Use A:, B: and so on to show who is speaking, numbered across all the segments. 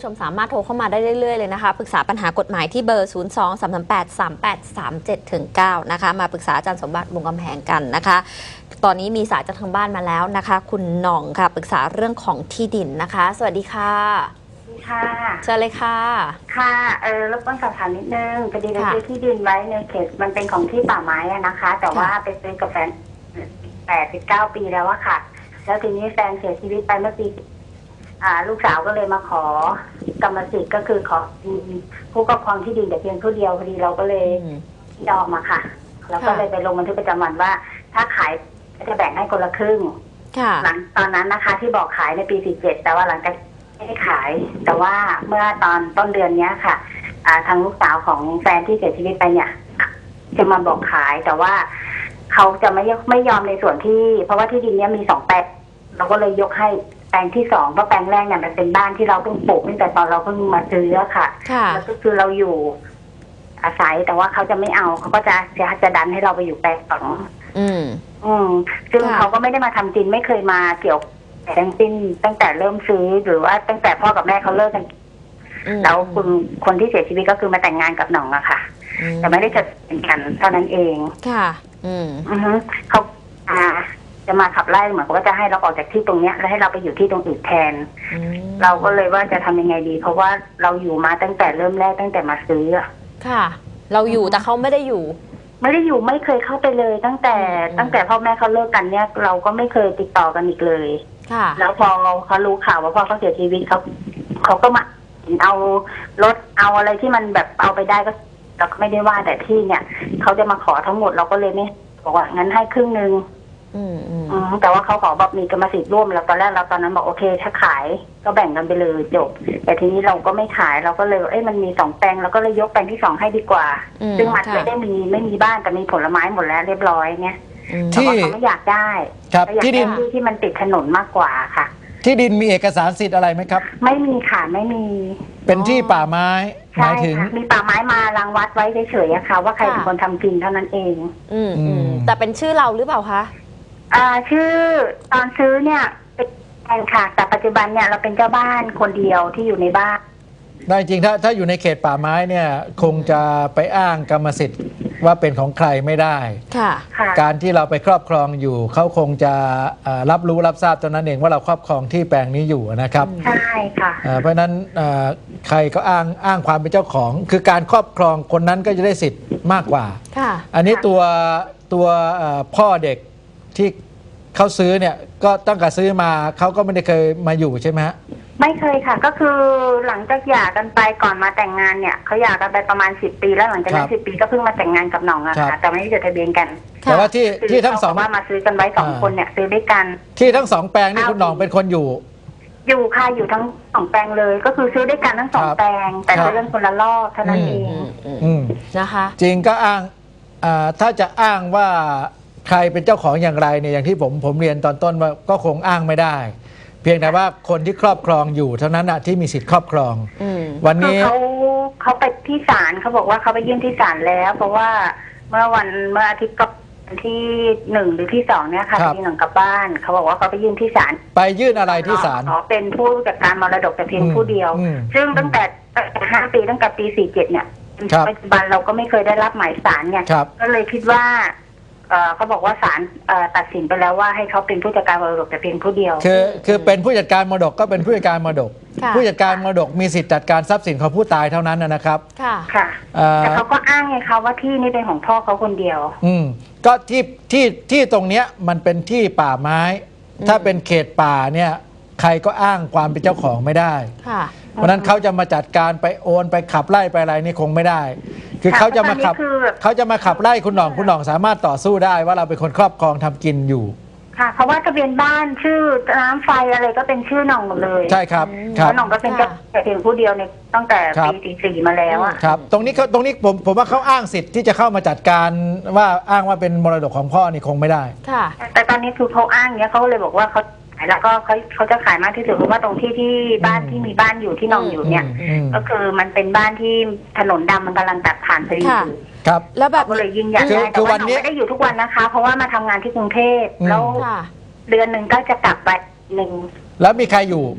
A: ผู้ชมสามารถโทรเข้ามาได้เรื่อยๆเลยนะคะปรึกษาปัญหากฎหมายที่เบอร์ 02-338-3837-9 นะคะมาปรึกษาอาจารย์สมบัติบุญกำแพงกันนะคะตอนนี้มีสายจากทางบ้านมาแล้วนะคะคุณหน่องค่ะปรึกษาเรื่องของที่ดินนะคะสวัสดีค่ะ
B: ค่ะ
A: เชิญเลยค่ะ
B: ค่ะรบกวนสอบถามนิดนึงพอดีเราซื้อที่ดินไว้ในเขตมันเป็นของที่ป่าไม้นะคะ แต่ว่าไปซื้อกับแฟน8-9 ปีแล้วอะค่ะแล้วทีนี้แฟนเสียชีวิตไปเมื่อปีลูกสาวก็เลยมาขอกรรมสิทธิ์ก็คือขอผู้ครอบครองที่ดินแต่เพียงผู้เดียวพอดีเราก็เลยยอมมาค่ะแล้วก็เลยไปลงบันทึกประจำวันว่าถ้าขายจะแบ่งให้คนละครึ่งหลังตอนนั้นนะคะที่บอกขายในปี47แต่ว่าหลังจากไม่ได้ขายแต่ว่าเมื่อตอนต้นเดือนนี้ค่ะทางลูกสาวของแฟนที่เสียชีวิตไปเนี่ยจะมาบอกขายแต่ว่าเขาจะไม่ยอมในส่วนที่เพราะว่าที่ดินนี้มี2 แปลงเราก็เลยยกให้แปลงที่2เพราะแปลงแรกเนี่ยมันเป็นบ้านที่เราเพิ่งปลูกตั้งแต่ตอนเราเพิ่งมาซื้อค่ะแล้วก็คือเราอยู่อาศัยแต่ว่าเขาจะไม่เอาเขาก็จะดันให้เราไปอยู่แปลง2ซึ่งเขาก็ไม่ได้มาทำจริงไม่เคยมาเกี่ยวทั้งสิ้นตั้งแต่เริ่มซื้อหรือว่าตั้งแต่พ่อกับแม่เขาเลิกกันแล้วคนที่เสียชีวิตก็คือมาแต่งงานกับหน่องอะค่ะแต่ไม่ได้จะเป็นกันเท่านั้นเอง
A: ค่ะ
B: เขาจะมาขับไล่เหมือนว่าจะให้เราออกจากที่ตรงเนี้ยแล้วให้เราไปอยู่ที่ตรงอื่นแทนเราก็เลยว่าจะทำยังไงดี เพราะว่าเราอยู่มาตั้งแต่เริ่มแรกตั้งแต่มาซื้อ
A: ค่ะเราอยู่แต่เขาไม่ได้อยู่
B: ไม่เคยเข้าไปเลยตั้งแต่พ่อแม่เขาเลิกกันเนี่ยเราก็ไม่เคยติดต่อกันอีกเลยแล้วพอเขารู้ข่าวว่าพ่อเขาเสียชีวิตเขาก็มาเอารถเอาอะไรที่มันแบบเอาไปได้ก็เราก็ไม่ได้ว่าแต่ที่เนี่ยเขาจะมาขอทั้งหมดเราก็เลยไม่บอกว่างั้นให้ครึ่งนึงแต่ว่าเขาขอแบบมีกรรมสิทธิ์ร่วมแล้วตอนแรกเราตอนนั้นบอกโอเคถ้าขายก็แบ่งกันไปเลยจบแต่ทีนี้เราก็ไม่ขายเราก็เลยมันมี2 แปลงเราก็เลยยกแปลงที่2ให้ดีกว่าซึ่งมันไม่มีบ้านแต่มีผลไม้หมดแล้วเรียบร้อยเนี่ยแต่ว่าเขาไม่อยากได้ที่ดินที่มันติดถนนมากกว่าค่ะ
C: ที่ดินมีเอกสารสิทธิ์อะไรไหมครับ
B: ไม่มีค่ะไม่มี
C: เป็นที่ป่าไม้หมายถึง
B: มีป่าไม้มารังวัดไว้เฉยๆอะค่ะว่าใครเป็นคนทำกินเท่านั้นเอง
A: แต่เป็นชื่อเราหรือเปล่าคะ
B: ชื่อตอนซื้อเนี่ยเป็นแฟนค่ะแต่ปัจจุบันเนี่ยเราเป็นเจ้าบ้านคนเดียวที่อยู่ในบ้าน
C: ได้จริงถ้าอยู่ในเขตป่าไม้เนี่ยคงจะไปอ้างกรรมสิทธิ์ว่าเป็นของใครไม่ได้การที่เราไปครอบครองอยู่เขาคงจะรับรู้รับทราบตอนนั้นเองว่าเราครอบครองที่แปลงนี้อยู่นะครับ
B: ใช่ค่ะ
C: เพราะนั้นใครก็อ้างความเป็นเจ้าของคือการครอบครองคนนั้นก็จะได้สิทธิ์มากกว่าอันนี้ตัวพ่อเด็กที่เขาซื้อเนี่ยก็ตั้งแต่ซื้อมาเขาก็ไม่ได้เคยมาอยู่ใช่ไหมฮะ
B: ไม่เคยค่ะก็คือหลังจากหย่ากันไปก่อนมาแต่งงานเนี่ยเขาหย่ากันไปประมาณ10 ปีแล้วหลังจากนั้น10 ปีก็เพิ่งมาแต่งงานกับหน่องอะค่ะแต่ไม่ได้จดทะเบียนกัน
C: แต่ว่าที่ทั้ง2
B: ว่ามาซื้อกันไว้2 คนเนี่ยซื้อด้วยกัน
C: ที่ทั้ง2 แปลงนี่คุณหน่องเป็นคนอยู่
B: ค่ะอยู่ทั้ง2 แปลงเลยก็คือซื้อด้วยกันทั้ง2 แปลงแต่เรื่องคนละรอบเท่านั้นเอง
A: นะคะ
C: จริงก็อ้างถ้าจะอ้างว่าใครเป็นเจ้าของอย่างไรเนี่ยอย่างที่ผมเรียนตอนต้นว่าก็คงอ้างไม่ได้เพียงแต่ว่าคนที่ครอบครองอยู่เท่านั้นที่มีสิทธิ์ครอบครองวันนี้
B: เขาไปที่ศาลเขาบอกว่าเขาไปยื่นที่ศาลแล้วเพราะว่าเมื่ออาทิตย์ที่1หรือที่2เนี่ยค่ะที่หนึ่งกลับบ้านเขาบอกว่าเขาไปยื่นที่ศาล
C: ไปยื่นอะไรที่ศาล
B: ขอเป็นผู้จัดการมรดกแต่เพียงผู้เดียวซึ่งตั้งแต่5 ปีตั้งแต่ปี47เนี่ยปัจจุบันเราก็ไม่เคยได้รับหมายศาลเนี่ยก็เลยคิดว่าเขาบอกว่าศาลตัดสินไปแล้วว่าให้เขาเป็นผู้จัดการมรดกแต่เพียงผู้เดียว
C: คือเป็นผู้จัดการมรดกก็เป็นผู้จัดการมรดกผู้จัดการมรดกมีสิทธิ์จัดการทรัพย์สินของผู้ตายเท่านั้นนะครับ
B: ค่ะแต่เขาก็อ้างไงคะว่าที่นี่เป็นของพ่อเขาคนเดียว
C: ก็ที่ตรงเนี้ยมันเป็นที่ป่าไม้ถ้าเป็นเขตป่าเนี่ยใครก็อ้างความเป็นเจ้าของไม่ได้เพราะนั้นเขาจะมาจัดการไปโอนไปขับไล่ไปอะไรนี่คงไม่ได้คือเขาจะมาขับไล่คุณหน่องสามารถต่อสู้ได้ว่าเราเป็นคนครอบครองทำกินอยู่
B: ค่ะเพราะว่าทะเบียนบ้านชื่อน้ำไฟอะไรก็เป็นชื่อหน่องหมดเลย
C: ใช่ครับ
B: แล้วหน่องก็เป็นแต่เพียงผู้เดียวในตั้งแต่ปี44มาแล้วอะ
C: ครับตรงนี้ผมว่าเขาอ้างสิทธิ์ที่จะเข้ามาจัดการว่าอ้างว่าเป็นมรดกของพ่อนี่คงไม่ได้
B: ค่ะแต่ตอนนี้คือเขาอ้างเนี้ยเขาเลยบอกว่าแล้วก็เขาจะขายมากที่สุดเพราะว่าตรงที่บ้านที่มีบ้านอยู่ที่หน่องอยู่เนี่ยก็คือมันเป็นบ้านที่ถนนดำมันกำลังตัดผ่านพอดี
C: ครับ
A: แล้วแบบ
B: ก็เลยยิ่งใหญ่แต่ว่าหน่องไม่ได้อยู่ทุกวันนะคะเพราะว่ามาทำงานที่กรุงเทพแล้วเดือนหนึ่งก็จะกลับไป1
C: แล้วมีใครอยู่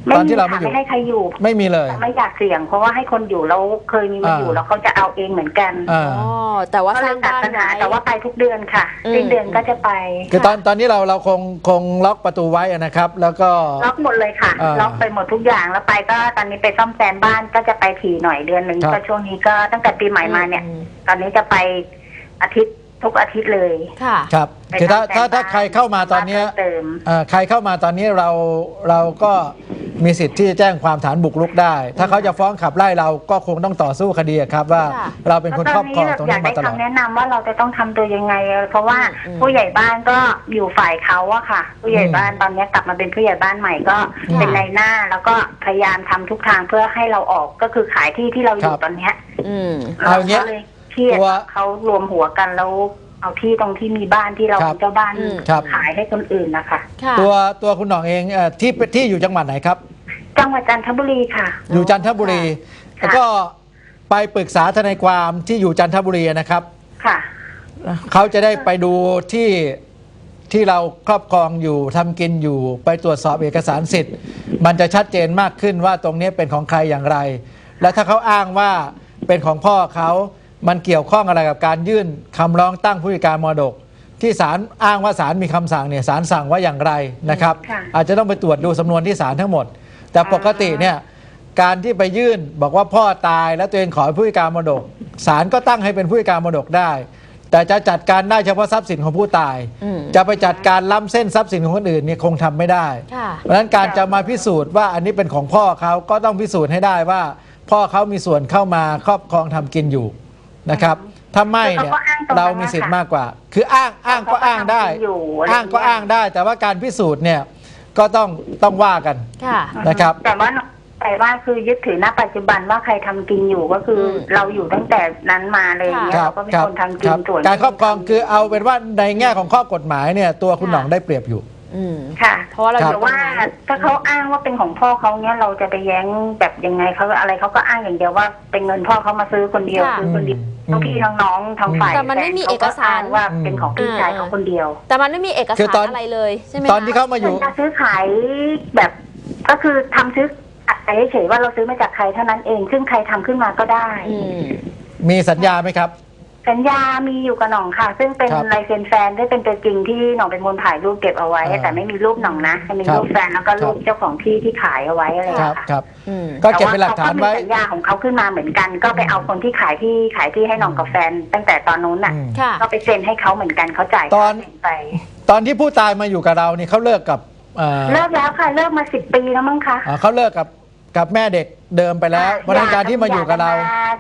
C: ตอนที่เราไม่อยู่
B: ไม่ให้ใครอยู่
C: ไม่มีเลย
B: ไม่อยากเสี่ยงเพราะว่าให้คนอยู่แล้วเคยมีมาอยู่แล้วเขาจะเอาเองเหมือนกัน
C: อ่า
A: อ๋อแต่ว่า
B: ก็
A: ส
B: เล
A: ร้าย ง
B: ตัด
A: บ้าน
B: ปัญหา
A: ไว้
B: แต่ว่าไปทุกเดือนค่ะ
A: อืม
B: สิ้นเดือนก็จะไป
C: คือตอนนี้เราคงล็อกประตูไว้นะครับ แล้วก็
B: ล็อกหมดเลยค่ะ ล็อกไปหมดทุกอย่างแล้วไปก็ตอนนี้ไปซ่อมแซมบ้านก็จะไปถี่หน่อยเดือนหนึ่ง
C: ครับ
B: ก็ช่วงนี้ก็ตั้งแต่ปีใหม่มาเนี่ย ตอนนี้จะไปทุกอาทิตย์เลย
A: ค่ะ
C: ครับคือถ้าใครเข้ามาตอนเนี้ย
B: เติม
C: ใครเข้ามาตอนนี้เราก็มีสิทธิ์ที่จะแจ้งความฐานบุกรุกได้ ถ้าเขาจะฟ้องขับไล่เราก็คงต้องต่อสู้คดีครับว่า
A: ค่ะ
C: เราเป็นคนครอบครองตรง
B: อยา
C: นี้
B: ก
C: มา
B: ได้
C: ตลอด
B: คำแนะนำว่าเราจะต้องทำตัวยังไง เพราะว่า
A: อืม
B: ผู้ใหญ่บ้านก็อยู่ฝ่ายเขาอะค่ะ ผู้ใหญ่บ้านตอนนี้กลับมาเป็นผู้ใหญ่บ้านใหม่ก็เป็นนายหน้า แล้วก็พยายามทำทุกทางเพื่อให้เราออกก็คือขายที่เราอยู่ตอนเนี้ย
A: อืม
C: เอาอย่างเงี้ย
B: ก็เลยเครียด
C: ตัว
B: เขารวมหัวกันแล้วเอาที่ตรงที่มีบ้านที่เรา
C: ครับ
B: เป็นเจ้าบ้าน
A: อืม
C: ครับ
B: ขายให้คนอื่นนะคะ
A: ค่ะ
C: ตัวคุณหน่องเองที่อยู่จังหวัดไหนครับ
B: จังหวัดจันทบุรีค่ะ
C: อยู่จันทบุรี
B: ค่ะ
C: แล้วก็ไปปรึกษาทนายความที่อยู่จันทบุรีนะครับ
B: ค่ะ
C: เขาจะได้ไปดูที่เราครอบครองอยู่ทำกินอยู่ไปตรวจสอบเอกสารสิทธิ์ มันจะชัดเจนมากขึ้นว่าตรงนี้เป็นของใครอย่างไร และถ้าเขาอ้างว่าเป็นของพ่อเขามันเกี่ยวข้องอะไรกับการยื่นคำร้องตั้งผู้จัดการมรดก ที่ศาลอ้างว่าศาลมีคำสั่งเนี่ยศาลสั่งว่าอย่างไรนะครับ
B: ค่ะ
C: อาจจะต้องไปตรวจดูสำนวนที่ศาลทั้งหมด แต่ปกติเนี่ยการที่ไปยื่นบอกว่าพ่อตายแล้วตัวเองขอเป็นผู้จัดการมรดกศาลก็ตั้งให้เป็นผู้จัดการมรดกได้ แต่จะจัดการได้เฉพาะทรัพย์สินของผู้ตาย
A: อืม
C: จะไปจัดการล้ำเส้นทรัพย์สินของคนอื่นเนี่ยคงทำไม่ได้
A: ค่ะ
C: เพราะฉะนั้นการจะมาพิสูจน์ว่าอันนี้เป็นของพ่อเขาก็ต้องพิสูจน์ให้ได้ว่า พ่อเขามีส่วนเข้ามาครอบครองทำกินอยู่นะครับ ถ้าไม่เนี่ย
B: เขาก็อ้างตรงนั้น
C: เรามีสิทธิ์มากกว่า คืออ้างก็อ้างได้
B: เขาก็ทำกินอยู่อะไร
C: อ้างก็อ้างได้ แต่ว่าการพิสูจน์เนี่ยก็ต้องว่ากัน
A: ค่ะ
C: นะครับ
B: แต่ว่าแต่ว่าคือยึดถือณปัจจุบันว่าใครทำกินอยู่ก็คืออ
A: ม
B: เราอยู่ตั้งแต่นั้นมาเลยอย่างเงี้ย
C: ครั
B: เราก็เป็นคนทำกิ
C: ครั
B: น
C: บ
B: ส่วน
C: การครอบครองคือเอาเป็นว่าในแง่ของข้อกฎหมายเนี่ยตัวคุณหน่องได้เปรียบอยู่
A: อืม
B: ค่ะ
A: เพราะว่าเราอ
C: ครั
A: ยู่
C: บ
A: ตรง
B: ว่า
A: นั้น
B: ถ้าเขาอ้างว่าเป็นของพ่อเขาเนี้ยเราจะไปแย้งแบบยังไงเขาอะไรเขาก็อ้างอย่างเดียวว่าเป็นเงินพ่อเขามาซื้อคนเดียว
A: ค่ะ
B: ซื้อคนเดียวทั้งพี่ทั้งน้องทั้งฝ่าย
A: แต่มันไม่มีเอกสาร
B: แฟนขก็อ้งว่าเป็นของพี่ชายเขาคนเดียว
A: แต่มันไม่มีเอก
C: คือ
A: สาร
C: ตอน
A: อะไรเลยใช่ไหม
C: ตอนที่เขามาอยู่
B: เป็นการซื้อขายแบบก็คือทำซื้อขายเฉยๆว่าเราซื้อมาจากใครเท่านั้นเอง ซึ่งใครทำขึ้นมาก็ได้
A: อืม
C: มีสัญญาไหมครับ
B: สัญญามีอยู่กับหน่องค่ะ ซึ่งเป็น
C: ครับ
B: ลายเซ็นแฟนได้เป็นตัวจริงที่หน่องเป็นคนถ่ายรูปเก็บเอาไว้ แต่ไม่มีรูปหน่องนะจะมี
C: ครับ
B: รูปแฟนแล้วก็รูป
C: ครับ
B: เจ้าของที่ที่ขายเอาไว้อะไรอย่าง
C: ครับ
B: เงี้ยค่ะ
C: ครับ
A: อืม
C: ก็เก็บเป็นหลักฐานไว้
B: แต่ว่เขก็มีสัญญาของเขาขึ้นมาเหมือนกัน ก็ไปเอาคนที่ขายที่ให้หน่องกับแฟน ตั้งแต่ตอนนู้นน่ะ
C: อืม
A: ค่ะ
B: ก็ไปเซ็นให้เขาเหมือนกันเขาจ่าย
C: ตอน
B: ค่าเซ็นไป
C: ตอนที่ผู้ตายมาอยู่กับเรานี่เขาเลิกกับ
B: เลิกแล้วค่ะเลิกมา10 ปีแล้วมั้งคะ
C: เขาเลิกกับแม่เด็กเดิมไปแล้วเพราะฉะนั้นการที่มาอยู่กับเรา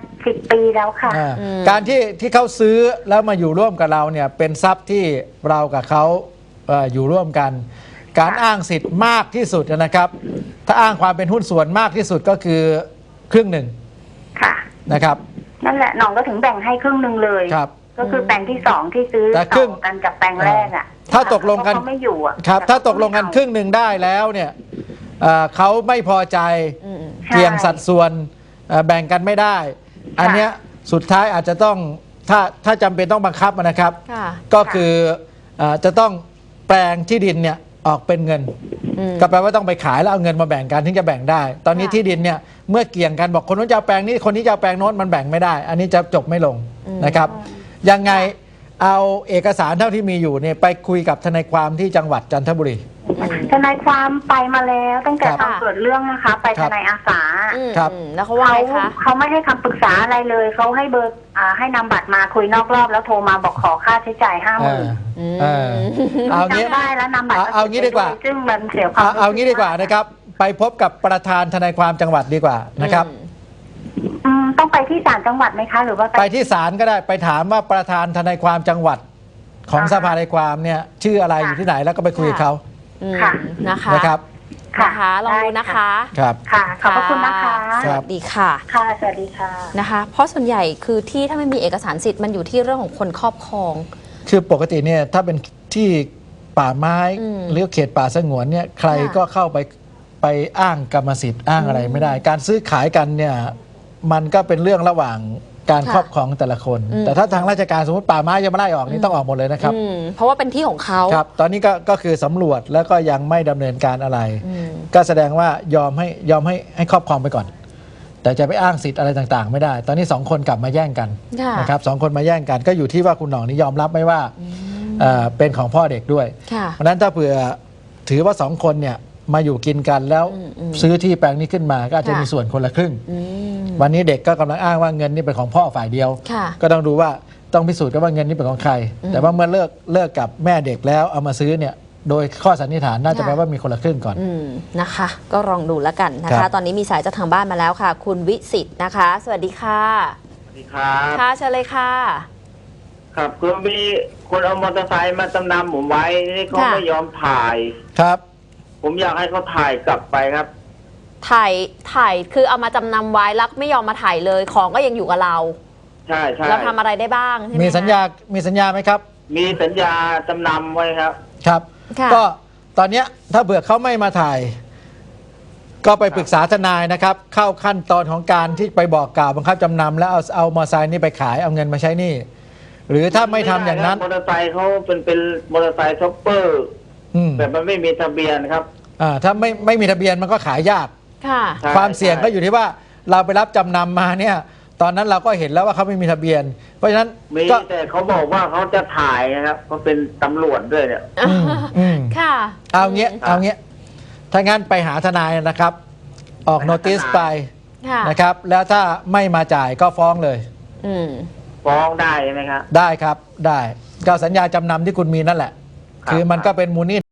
B: 10 ปีแล้วค่ะ
C: อ่า
A: อืม
C: การที่เขาซื้อแล้วมาอยู่ร่วมกับเราเนี่ยเป็นทรัพย์ที่เรากับเขาอยู่ร่วมกัน การอ้างสิทธิ์มากที่สุดนะครับ ถ้าอ้างความเป็นหุ้นส่วนมากที่สุดก็คือครึ่งหนึ่ง
B: ค่ะ
C: นะครับ
B: นั่นแหละหน่องก็ถึงแบ่งให้ครึ่งหนึ่งเลย
C: ครับ
B: ก็คือแปลงที่2ที่ซื้อ
C: แต่ค
B: ต่
C: รึ่ง
B: อกันจากแปลงแรกอ่ะ
C: ถ้าตกลงกัน
B: เพราะเขาไม่อยู่อ่ะ
C: ครับถ้าตกลงกันครึ่งหนึ่งได้แล้วเนี่ยเขาไม่พอใจ
A: อืม
C: เกี่ยงสัดส่วนแบ่งกันไม่ได้ อันเนี้ยสุดท้ายอาจจะต้องถ้าจำเป็นต้องบังคับนะครับ
A: ค่ะ
C: ก็คือจะต้องแปลงที่ดินเนี่ยออกเป็นเงิน
A: อืม
C: ก็แปลว่าต้องไปขายแล้วเอาเงินมาแบ่งกันถึงจะแบ่งได้ ตอนนี้
A: ค่ะ
C: ที่ดินเนี่ยเมื่อเกี่ยงกันบอกคนนู้นจะเอาแปลงนี้คนนี้จะเอาแปลงโน้นมันแบ่งไม่ได้ อันนี้จะจบไม่ลงนะครับ ยังไงเอาเอกสารเท่าที่มีอยู่เนี่ยไปคุยกับทนายความที่จังหวัดจันทบุรี
B: ทนายความไปมาแล้วตั้งแต่
C: ครับ
B: ตอนเกิดเรื่องนะคะ ไป
C: ครั
B: ท
C: บ
B: นายอาสา
A: อืม
C: ครับ
A: อืมแล้วเขาว่าไงคะ
B: เขาไม่ให้คำปรึกษาอะไรเลยเขาให้เบอร์ให้นำบัตรมาคุยนอกรอบแล้วโทรมาบอกขอค่าใช้จ่าย
C: เออ
B: 50,000
C: เออเอางี้
B: จำได้แล้วนำบัตร
C: เอางี้ดีกว่า
B: ซึ่งมันเสียความ
C: เอางี้ดีกว่านะครับ ไปพบกับประธานทนายความจังหวัดดีกว่านะครับ
B: ต้องไปที่ศาลจังหวัดไหมคะ หรือว่า
C: ไปที่ศาลก็ได้ไปถามว่าประธานทนายความจังหวัดของสภาทนายความเนี่ยชื่ออะไรอยู่ที่ไหนแล้วก็ไปคุยกับเขา
A: อืม
B: ค่ะ
A: นะคะ
C: นะครับ
A: นะคะลองดูนะคะ
C: ครับ
B: ค่ะขอบพระคุณนะคะ
A: สวัสดีค่ะ
B: ค่ะสวัสดีค่ะ
A: นะคะ เพราะส่วนใหญ่คือที่ถ้าไม่มีเอกสารสิทธิ์มันอยู่ที่เรื่องของคนครอบครอง
C: คือปกติเนี่ยถ้าเป็นที่ป่าไม้
A: อืม
C: หรือเขตป่าสงวนเนี่ยใคร
A: ค่ะ
C: ก็เข้าไปอ้างกรรมสิทธิ์อ้างอะไรไม่ได้ การซื้อขายกันเนี่ยมันก็เป็นเรื่องระหว่างการครอบครองแต่ละคน แต่ถ้าทางราชการสมมติป่าไม้จะมาไล่ออกนี่ต้องออกหมดเลยนะครับ
A: เพราะว่าเป็นที่ของเขา
C: ครับตอนนี้ก็คือสำรวจแล้วก็ยังไม่ดำเนินการอะไร ก็แสดงว่ายอมให้ครอบครองไปก่อน แต่จะไปอ้างสิทธิ์อะไรต่างๆ ไม่ได้ ตอนนี้2คนกลับมาแย่งกัน
A: ค่ะ
C: นะครับ2คนมาแย่งกันก็อยู่ที่ว่าคุณหน่องนี่ยอมรับไหมว่าเป็นของพ่อเด็กด้วย
A: ค่ะ
C: เพราะฉะนั้นถ้าเผื่อถือว่า2คนเนี่ยมาอยู่กินกันแล้วซื้อที่แปลงนี้ขึ้นมาก็อาจจะมีส่วนคนละครึ่ง วันนี้เด็กก็กำลังอ้างว่าเงินนี่เป็นของพ่อฝ่ายเดียว
A: ค่ะ
C: ก็ต้องดูว่าต้องพิสูจน์กันว่าเงินนี้เป็นของใคร แต่ว่าเมื่อเลิกกับแม่เด็กแล้วเอามาซื้อเนี่ยโดยข้อสันนิษฐานน่าจะแปลว่ามีคนละครึ่งก่อน
A: นะคะ ก็ลองดูแล้วกันนะ
C: ครั
A: คะ
C: บ
A: ตอนนี้มีสายจากทางบ้านมาแล้วค่ะ คุณวิสิตนะคะ สวัสดีค่ะ
D: สวัสดีครับ
A: ค่ะเชิญเลยค่ะ
D: ครับคือมีคนเอามอเตอร์ไซค์มาจำนำผมไว้นี่เขา
A: ค่ะ
D: ไม่ยอมถ่าย
C: ครับ
D: ผมอยากให้เขาถ่ายกลับไปครับ
A: ถ่ายคือเอามาจำนำไว้แล้วไม่ยอมมาถ่ายเลยของก็ยังอยู่กับเรา
D: ใช่ใช่
A: เราทำอะไรได้บ้างใช่ไหม
C: มี
A: คะ
C: สัญญาไหมครับ
D: มีสัญญาจำนำไว้ครับ
C: ครับ
A: ค่ะ
C: ก็ตอนเนี้ยถ้าเผื่อเขาไม่มาถ่าย ก็ไปปรึกษาทนายนะครับ เข้าขั้นตอนของการที่ไปบอกกล่าวบังคับจำนำแล้วเอามอเตอร์ไซค์นี่ไปขายเอาเงินมาใช้หนี่หรือถ้าไม่ทำอย่างนั้น
D: มอเตอร์ไซค์เขาเป็นมอเตอร์ไซค์ช็อปเปอร์
C: อืม
D: แต่มันไม่มีทะเบียนครับ
C: ถ้าไม่มีทะเบียนมันก็ขายยาก
A: ค่ะ
D: ใช่
C: ความเสี่ยงก็อยู่
D: ใช่
C: ที่ว่าเราไปรับจำนำมาเนี่ย ตอนนั้นเราก็เห็นแล้วว่าเขาไม่มีทะเบียน เพราะฉะนั้น
D: มี
C: ก็
D: แต่เขาบอกว่าเขาจะถ่ายนะครับเขาเป็นตำรวจด้วยเนี่ย
C: อืม
A: ค่ะ
C: เอาเงี้ยถ้างั้นไปหาทนายนะครับ ออกโนติสไป
A: ค่ะ
C: นะครับ แล้วถ้าไม่มาจ่ายก็ฟ้องเลย
A: อืม
D: ฟ้องได้ใช่ไหมครับ
C: ได้ครับได้ก็สัญญาจำนำที่คุณมีนั่นแหละ
D: ครับ
C: คือมันก็เป็นมูลหนี้